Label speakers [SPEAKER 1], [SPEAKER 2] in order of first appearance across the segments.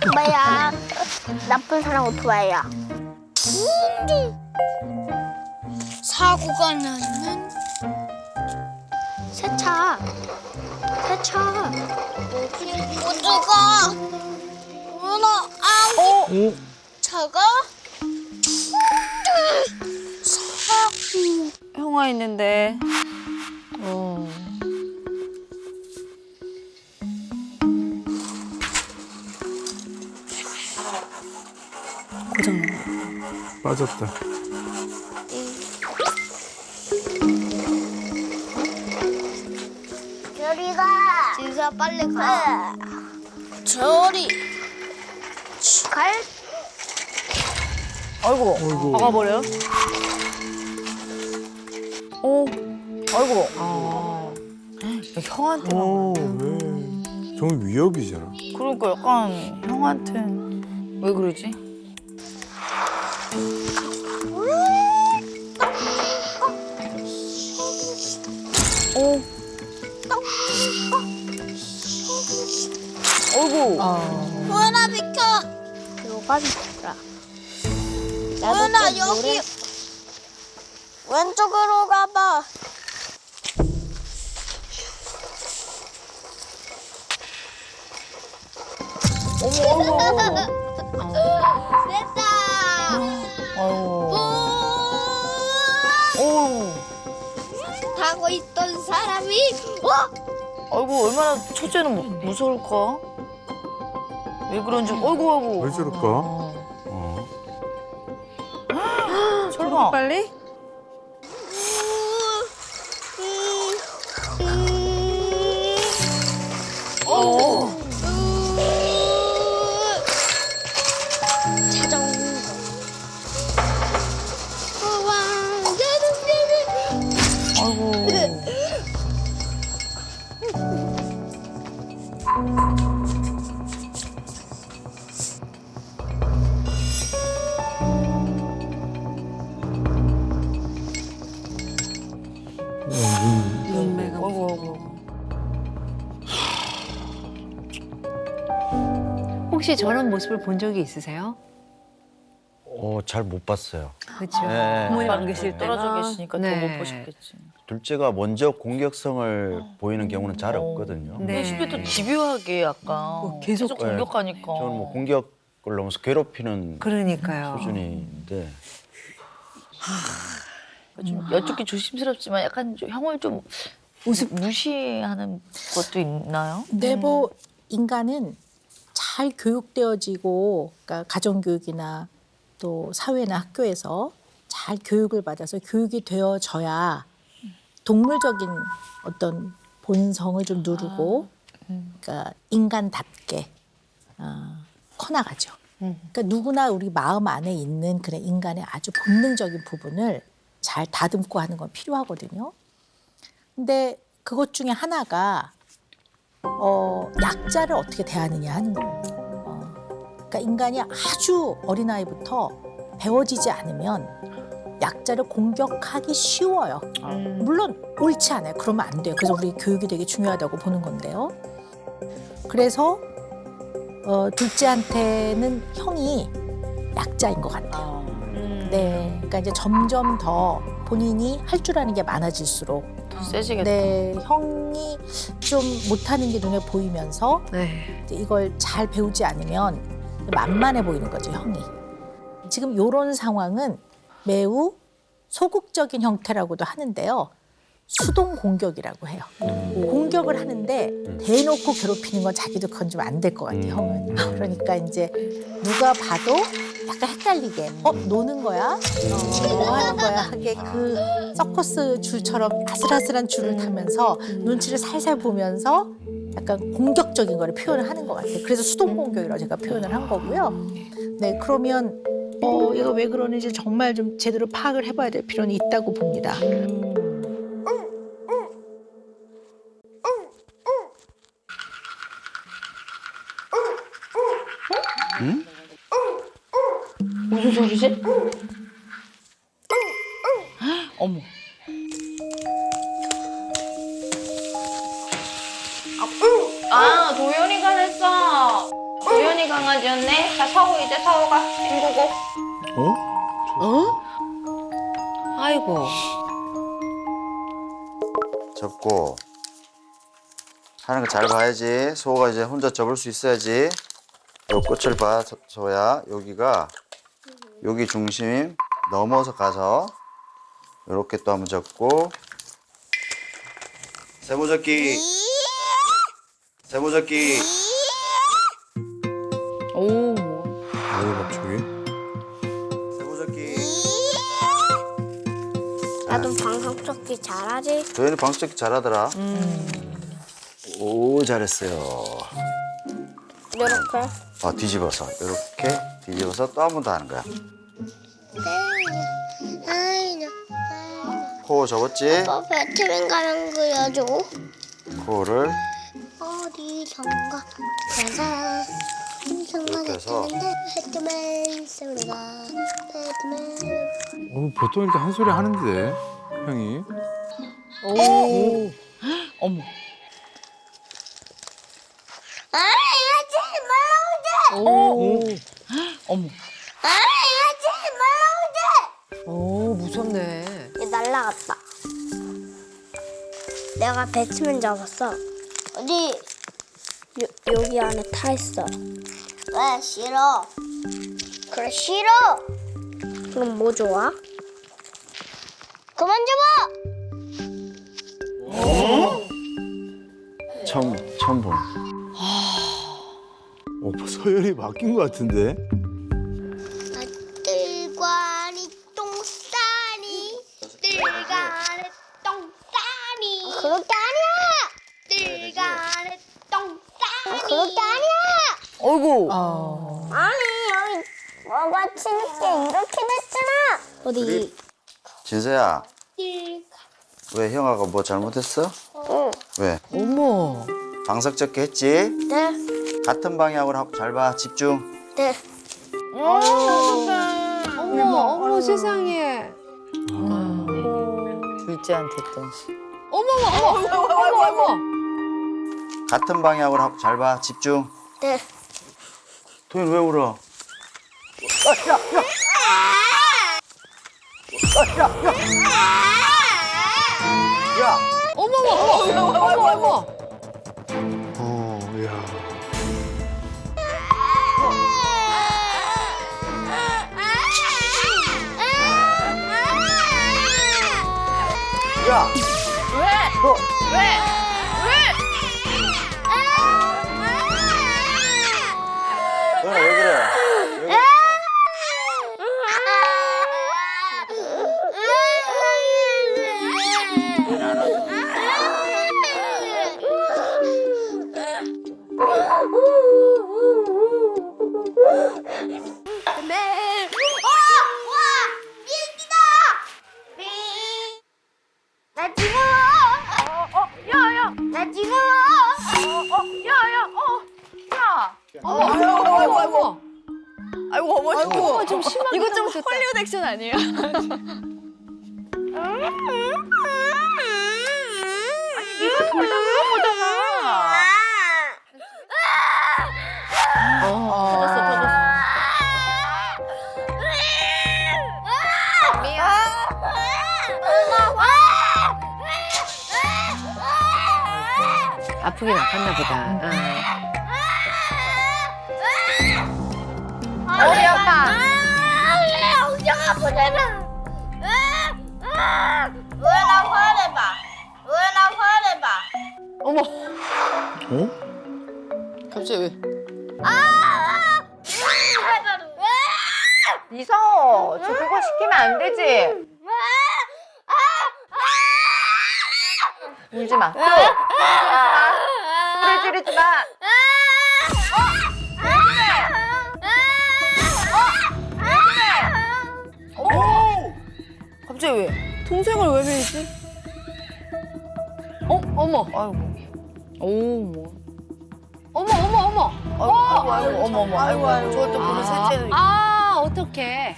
[SPEAKER 1] 오토바이야. 나쁜 사람 오토바이야.
[SPEAKER 2] 사고가 나는
[SPEAKER 1] 세차. 세차.
[SPEAKER 2] 모두가 누나 아우 차가
[SPEAKER 3] 형아 있는데.
[SPEAKER 4] 빠졌다.
[SPEAKER 1] 저리가.
[SPEAKER 2] 진수야 빨리 가. 저리
[SPEAKER 1] 갈.
[SPEAKER 3] 아이고.
[SPEAKER 4] 어이구.
[SPEAKER 3] 박아버려? 아이고. 형한테만.
[SPEAKER 4] 왜? 정말 위협이잖아.
[SPEAKER 3] 그러니까 약간 형한테 왜 그러지? 어이구.
[SPEAKER 2] 누나 비켜.
[SPEAKER 1] 요가 비켜라.
[SPEAKER 2] 누나 여기 왼쪽으로 가봐. 됐다.
[SPEAKER 3] 아이고.
[SPEAKER 2] 우!
[SPEAKER 3] 어우.
[SPEAKER 2] 타고 있던 사람이
[SPEAKER 3] 아이고 얼마나 첫째는 무서울까? 왜 그런지. 어이구.
[SPEAKER 4] 왜 저럴까? 어.
[SPEAKER 3] 설마. 빨리?
[SPEAKER 2] 찾아온 거.
[SPEAKER 3] 아이고.
[SPEAKER 5] 눈매가
[SPEAKER 3] 아이고.
[SPEAKER 5] 혹시 저런 모습을 본 적이 있으세요?
[SPEAKER 6] 잘 못 봤어요.
[SPEAKER 5] 그렇죠.
[SPEAKER 6] 네.
[SPEAKER 5] 부모님 안 계실 때가
[SPEAKER 3] 떨어져 계시니까 더 못 보셨겠지.
[SPEAKER 6] 둘째가 먼저 공격성을 보이는 경우는 잘 없거든요.
[SPEAKER 5] 네.
[SPEAKER 3] 10대 또 집요하게 약간
[SPEAKER 5] 계속
[SPEAKER 3] 계속 공격하니까.
[SPEAKER 6] 저는 뭐 공격을 넘어서 괴롭히는
[SPEAKER 5] 그러니까요.
[SPEAKER 6] 수준인데
[SPEAKER 3] 좀 여쭙기 조심스럽지만 약간 좀 형을 좀 무시하는 것도 있나요?
[SPEAKER 7] 내부 인간은 잘 교육되어지고, 그러니까 가정교육이나 또 사회나 학교에서 잘 교육을 받아서 교육이 되어져야 동물적인 어떤 본성을 좀 누르고, 그러니까 인간답게 커나가죠. 그러니까 누구나 우리 마음 안에 있는 그런 인간의 아주 본능적인 부분을 잘 다듬고 하는 건 필요하거든요. 근데 그것 중에 하나가 약자를 어떻게 대하느냐 하는 거예요. 그러니까 인간이 아주 어린아이부터 배워지지 않으면 약자를 공격하기 쉬워요. 물론 옳지 않아요. 그러면 안 돼요. 그래서 우리 교육이 되게 중요하다고 보는 건데요. 그래서 둘째한테는 형이 약자인 것 같아요. 네, 그러니까 이제 점점 더 본인이 할 줄 아는 게 많아질수록
[SPEAKER 3] 더 세지겠다.
[SPEAKER 7] 네, 형이 좀 못하는 게 눈에 보이면서
[SPEAKER 5] 네.
[SPEAKER 7] 이제 이걸 잘 배우지 않으면 만만해 보이는 거죠, 형이. 지금 이런 상황은 매우 소극적인 형태라고도 하는데요. 수동 공격이라고 해요. 공격을 하는데 대놓고 괴롭히는 건 자기도 그건 좀 안 될 것 같아요, 형은. 그러니까 이제 누가 봐도 약간 헷갈리게 노는 거야? 뭐 하는 거야? 하게 그 서커스 줄처럼 아슬아슬한 줄을 타면서 눈치를 살살 보면서 약간 공격적인 거를 표현을 하는 것 같아요. 그래서 수동 공격이라고 제가 표현을 한 거고요. 네, 그러면 얘가 왜 그러는지 정말 좀 제대로 파악을 해봐야 될 필요는 있다고 봅니다.
[SPEAKER 3] 무슨 소리지? 어머. 도연이가 했어. 도연이 강아지.
[SPEAKER 8] 뒤졌네. 자, 서우 이제 서우가 빙고고.
[SPEAKER 5] 아이고.
[SPEAKER 6] 접고 하는 거 잘 봐야지. 소가 이제 혼자 접을 수 있어야지. 요 끝을 봐, 소야. 여기가 여기 중심 넘어서 가서 이렇게 또 한번 접고 세모접기. 세모접기.
[SPEAKER 5] 오.
[SPEAKER 4] 왜 갑자기?
[SPEAKER 6] 세모접기.
[SPEAKER 1] 나도 방석접기 잘하지?
[SPEAKER 6] 도현이 방석접기 잘하더라. 오, 잘했어요.
[SPEAKER 1] 이렇게.
[SPEAKER 6] 뒤집어서 이렇게 뒤집어서 또 한 번 더 하는 거야. 코 접었지?
[SPEAKER 2] 배트맨 가면 그려줘.
[SPEAKER 6] 코를
[SPEAKER 2] 어디선가 가자. 어디선가
[SPEAKER 6] 이렇게 해서.
[SPEAKER 2] 배트맨 소리가 배트맨.
[SPEAKER 4] 보통 이렇게 한 소리 하는데 형이.
[SPEAKER 3] 어머. 어머.
[SPEAKER 5] 오, 무섭네.
[SPEAKER 1] 얘 날라갔다. 내가 배트맨 잡았어. 어디? 여기 안에 타 있어.
[SPEAKER 2] 왜 싫어?
[SPEAKER 1] 그래 싫어. 그럼 뭐 좋아? 그만 잡아.
[SPEAKER 6] 처음 보는.
[SPEAKER 4] 서열이 바뀐 것 같은데.
[SPEAKER 2] 뜰과니 똥싸니 뜰간에 똥싸니
[SPEAKER 1] 그렇게 아니야.
[SPEAKER 2] 뜰간에 똥싸니
[SPEAKER 1] 그렇게 아니야.
[SPEAKER 3] 어이구.
[SPEAKER 1] 아니 여기 뭐가 치는 게 이렇게 됐잖아. 어디?
[SPEAKER 6] 진서야,
[SPEAKER 2] 뜰
[SPEAKER 6] 왜 형아가 뭐 잘못했어?
[SPEAKER 1] 응.
[SPEAKER 6] 왜?
[SPEAKER 5] 어머.
[SPEAKER 6] 방석접기 했지?
[SPEAKER 1] 네.
[SPEAKER 6] 같은 방향으로 잘 봐, 집중.
[SPEAKER 1] 네.
[SPEAKER 5] 어머 세상에.
[SPEAKER 3] 둘째한테 또.
[SPEAKER 5] 어머.
[SPEAKER 6] 같은 방향으로 잘 봐, 집중.
[SPEAKER 1] 네.
[SPEAKER 6] 도현 왜 울어? 야!
[SPEAKER 5] 어머.
[SPEAKER 4] 야.
[SPEAKER 6] 야! 도현아 왜 그래? 왜 그래?
[SPEAKER 1] 나 지금 야야 나 지금
[SPEAKER 5] 아이고.
[SPEAKER 3] 아이고 어머니.
[SPEAKER 5] 아이고 좀 심하게.
[SPEAKER 3] 이거 좀 헐리우드 액션 아니에요? 이거 돌다 그런 거잖아. 터졌어.
[SPEAKER 5] 아프긴 아팠나 보다.
[SPEAKER 8] 우리 엄마.
[SPEAKER 2] 엉덩아 보내라. 왜나 화내봐. 왜나 화내봐.
[SPEAKER 5] 어머.
[SPEAKER 3] 갑자기 왜?
[SPEAKER 8] 이서 저 그거 시키면 안 되지. 울지 마. 소리 지르지 마.
[SPEAKER 3] 갑자기 왜?
[SPEAKER 5] 동생을 왜 밀지? 어머.
[SPEAKER 3] 아이고.
[SPEAKER 5] 오 뭐. 어머.
[SPEAKER 3] 아이고. 저걸 또 보는 셋째는.
[SPEAKER 5] 어떡해.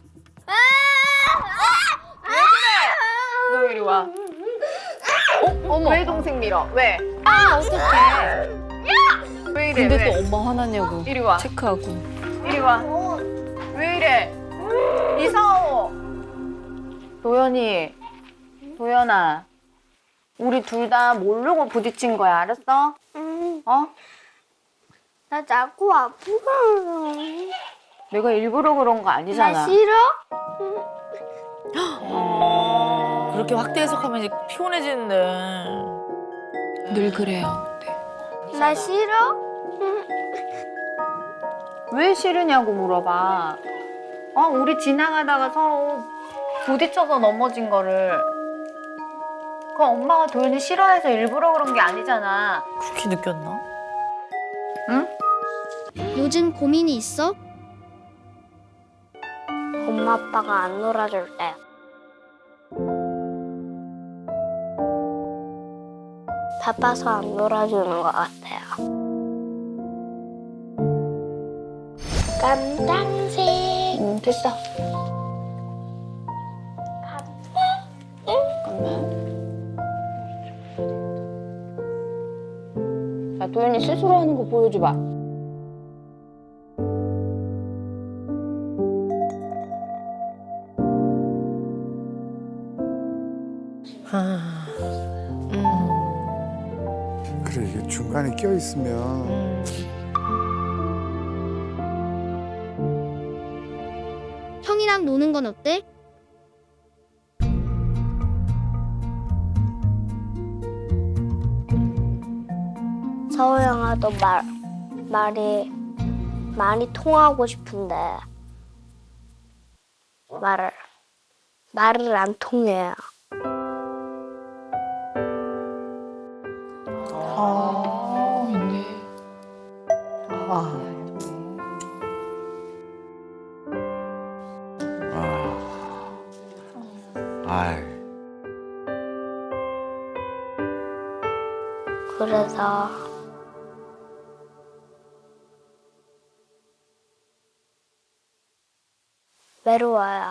[SPEAKER 8] 너 이리 와.
[SPEAKER 5] 어머.
[SPEAKER 8] 왜 동생 밀어? 왜?
[SPEAKER 5] 어떡해.
[SPEAKER 8] 왜 이래?
[SPEAKER 5] 근데
[SPEAKER 8] 왜?
[SPEAKER 5] 또 엄마 화났냐고
[SPEAKER 8] 이리 와.
[SPEAKER 5] 체크하고.
[SPEAKER 8] 이리 와. 왜 이래? 이상호. 도연이. 도연아. 우리 둘 다 모르고 부딪힌 거야. 알았어? 어?
[SPEAKER 2] 나 자꾸 아프고.
[SPEAKER 8] 내가 일부러 그런 거
[SPEAKER 2] 나
[SPEAKER 8] 아니잖아.
[SPEAKER 2] 싫어?
[SPEAKER 3] 그렇게 확대 해석하면 이제 피곤해지는데.
[SPEAKER 5] 늘 그래요.
[SPEAKER 2] 나 싫어?
[SPEAKER 8] 왜 싫으냐고 물어봐. 우리 지나가다가 서로 부딪혀서 넘어진 거를. 그럼 엄마가 도연이 싫어해서 일부러 그런 게 아니잖아.
[SPEAKER 3] 그렇게 느꼈나?
[SPEAKER 9] 요즘 고민이 있어?
[SPEAKER 1] 엄마 아빠가 안 놀아줄 때. 바빠서 안 놀아주는 것 같아요. 깜당색.
[SPEAKER 8] 됐어. 자, 도연이 스스로 하는 거 보여줘봐.
[SPEAKER 4] 그래 이게 중간에 껴 있으면
[SPEAKER 9] 형이랑 노는 건 어때?
[SPEAKER 1] 서우 형아도 말이 많이 통하고 싶은데 말을 안 통해요.
[SPEAKER 6] 아이.
[SPEAKER 1] 그래서 외로워요.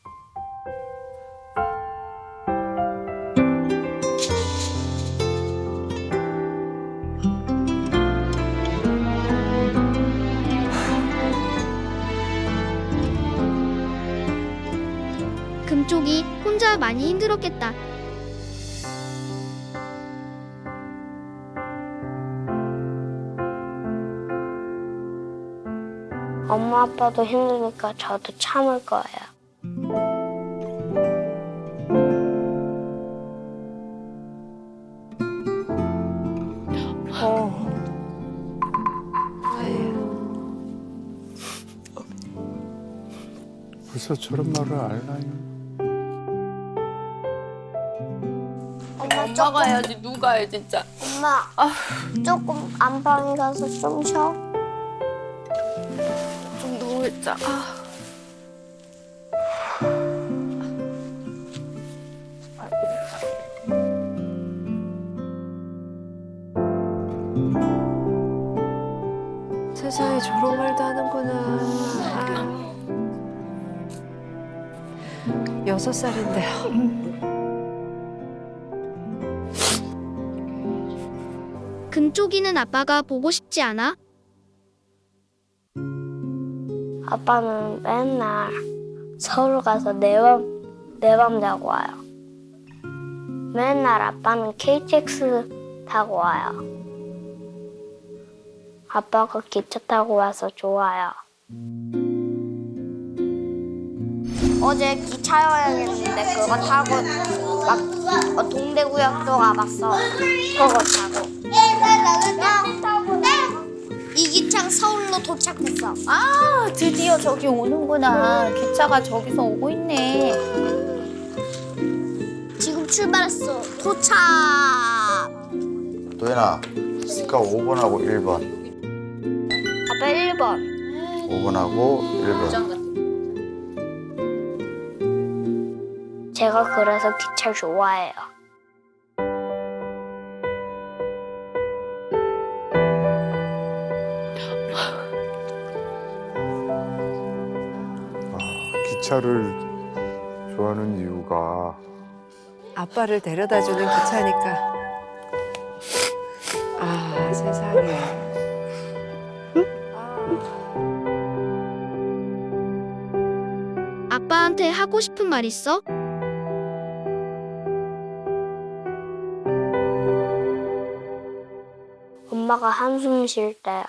[SPEAKER 9] 금쪽이 혼자 많이 힘들었겠다.
[SPEAKER 1] 엄마 아빠도 힘드니까 저도 참을 거예요.
[SPEAKER 4] 벌써 저런 말을 알나요?
[SPEAKER 5] 엄마가 해야지 누가 해 진짜.
[SPEAKER 1] 엄마, 조금 안방에 가서 좀 쉬어.
[SPEAKER 5] 좀 누워있자.
[SPEAKER 10] 세상에 저런 말도 하는구나. 6살인데요.
[SPEAKER 9] 금쪽이는 아빠가 보고 싶지 않아?
[SPEAKER 1] 아빠는 맨날 서울 가서 내 밤 자고 와요. 맨날 아빠는 KTX 타고 와요. 아빠가 기차 타고 와서 좋아요. 어제 기차 여행했는데 그거 타고 막 동대구역도 가봤어. 그거 타고.
[SPEAKER 9] 이기창 서울로 도착했어.
[SPEAKER 8] 아, 드디어 저기 오는구나. 기차가 저기서 오고 있네.
[SPEAKER 9] 지금 출발했어. 도착.
[SPEAKER 6] 도연아, 스카 5번하고 1번.
[SPEAKER 1] 아빠 1번.
[SPEAKER 6] 5번하고 1번.
[SPEAKER 1] 제가 그래서 기차 좋아해요.
[SPEAKER 4] 기차를 좋아하는 이유가
[SPEAKER 10] 아빠를 데려다주는 기차니까. 아 세상에.
[SPEAKER 9] 아빠한테 하고 싶은 말 있어?
[SPEAKER 1] 엄마가 한숨 쉴 때야.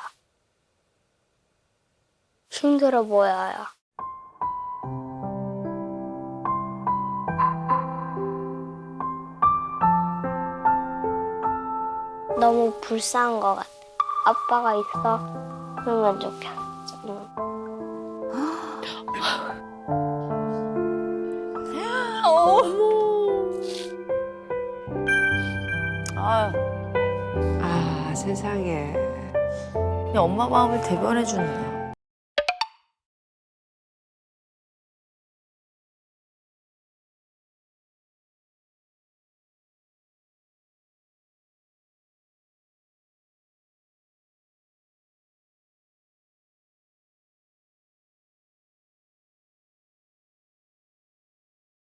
[SPEAKER 1] 힘들어 보여요. 너무 불쌍한 것 같아. 아빠가 있었으면 좋겠어.
[SPEAKER 3] 아유,
[SPEAKER 10] 아, 세상에.
[SPEAKER 3] 그냥 엄마 마음을 대변해 주는.